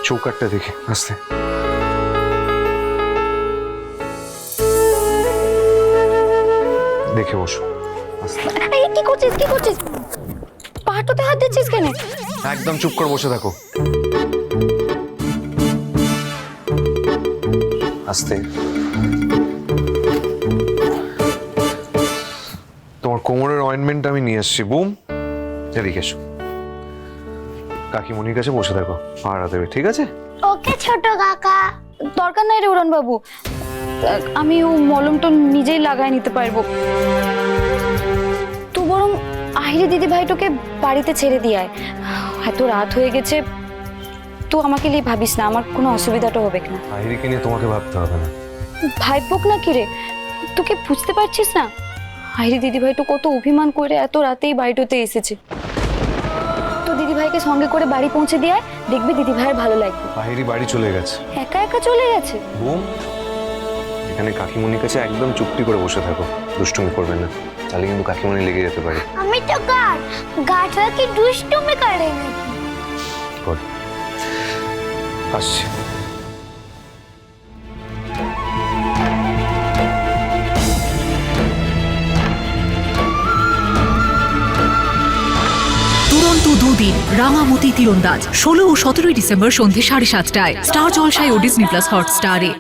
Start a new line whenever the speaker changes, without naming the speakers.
চৌকাটটা দেখে আসতে। দেখে বসো আস্তে।
এই কি করছিস, কি করছিস? পাহাড়টাতে হাত দিচ্ছিস কেন?
একদম চুপ করে বসে থাকো। আস্তে। তোমার কোমরের অয়েন্টমেন্ট আমি নিয়ে এসেছি। বুম, এদিকে এসো। কাকিমণির কাছে বসে থাকো, পাহারা দেবে, ঠিক আছে?
ওকে ছোট কাকা। দরকার নাই রে উড়ান বাবু, আমি ও মলমটা নিজেই লাগাই নিতে পারবো। তো বরং আহিরি দিদি ভাইটোকে বাড়িতে ছেড়ে দিয়ে আয়। এত রাত হয়ে গেছে, তো আমাকে নিয়ে ভাবিস না, আমার কোনো অসুবিধাটা হবে না।
আহিরিকে নিয়ে তোমাকে ভাবতে হবে না।
ভাইপোক না কি রে, তোকে বুঝতে পারছিস না? আহিরি দিদি ভাই তো কত অভিমান করে এত রাতেই বাড়িটাতে এসেছে। তো দিদি ভাইকে সঙ্গে করে বাড়ি পৌঁছে দিয়ে আয়, দেখবি দিদি ভাইয়ের ভালো লাগবে।
আহিরি বাড়ি চলে গেছে।
একা একা চলে গেছে?
বুম, এখানে কাকিমণির কাছে একদম চুপটি করে বসে থাকো, দুষ্টুমি করবে না, তাহলে কিন্তু কাকিমণি লেগে যেতে পারে।
আমি তো গার্ড, গার্ডরা কি দুষ্টুমি করে নাকি?
কর, আসছি।
দুরন্ত দুদিন রাঙামতি তীরন্দাজ 16 ও 17 ডিসেম্বর সন্ধ্যে 7:30টায় স্টার জলসায় ও ডিজনি প্লাস হটস্টারে।